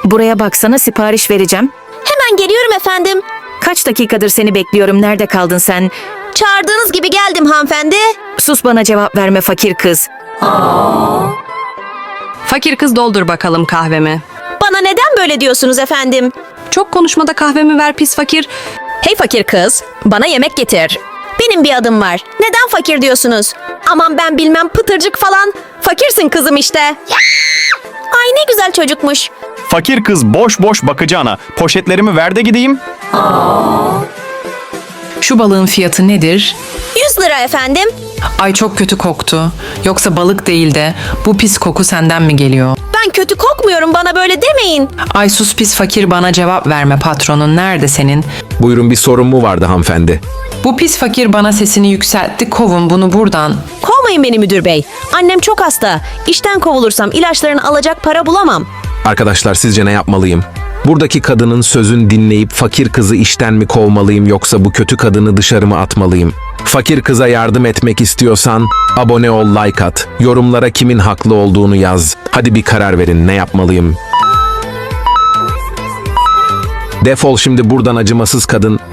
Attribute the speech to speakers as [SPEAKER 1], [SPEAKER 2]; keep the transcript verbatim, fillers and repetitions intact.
[SPEAKER 1] Buraya baksana, sipariş vereceğim.
[SPEAKER 2] Hemen geliyorum efendim.
[SPEAKER 1] Kaç dakikadır seni bekliyorum. Nerede kaldın sen?
[SPEAKER 2] Çağırdığınız gibi geldim hanımefendi.
[SPEAKER 1] Sus, bana cevap verme fakir kız.
[SPEAKER 3] Fakir kız, doldur bakalım kahvemi.
[SPEAKER 2] Bana neden böyle diyorsunuz efendim?
[SPEAKER 3] Çok konuşmada kahvemi ver pis fakir.
[SPEAKER 2] Hey fakir kız, bana yemek getir. Benim bir adım var. Neden fakir diyorsunuz? Aman ben bilmem, pıtırcık falan. Fakirsin kızım işte. Ay ne güzel çocukmuş.
[SPEAKER 4] Fakir kız boş boş bakacağına poşetlerimi ver de gideyim.
[SPEAKER 5] Şu balığın fiyatı nedir?
[SPEAKER 2] yüz lira efendim.
[SPEAKER 5] Ay çok kötü koktu. Yoksa balık değil de bu pis koku senden mi geliyor?
[SPEAKER 2] Ben kötü kokmuyorum, bana böyle demeyin.
[SPEAKER 5] Ay sus pis fakir, bana cevap verme, patronun nerede senin?
[SPEAKER 6] Buyurun, bir sorun mu vardı hanımefendi?
[SPEAKER 5] Bu pis fakir bana sesini yükseltti, kovun bunu buradan.
[SPEAKER 2] Kovmayın beni müdür bey. Annem çok hasta. İşten kovulursam ilaçlarını alacak para bulamam.
[SPEAKER 6] Arkadaşlar, sizce ne yapmalıyım? Buradaki kadının sözün dinleyip fakir kızı işten mi kovmalıyım, yoksa bu kötü kadını dışarı mı atmalıyım? Fakir kıza yardım etmek istiyorsan abone ol, like at. Yorumlara kimin haklı olduğunu yaz. Hadi bir karar verin, ne yapmalıyım? Defol şimdi buradan acımasız kadın.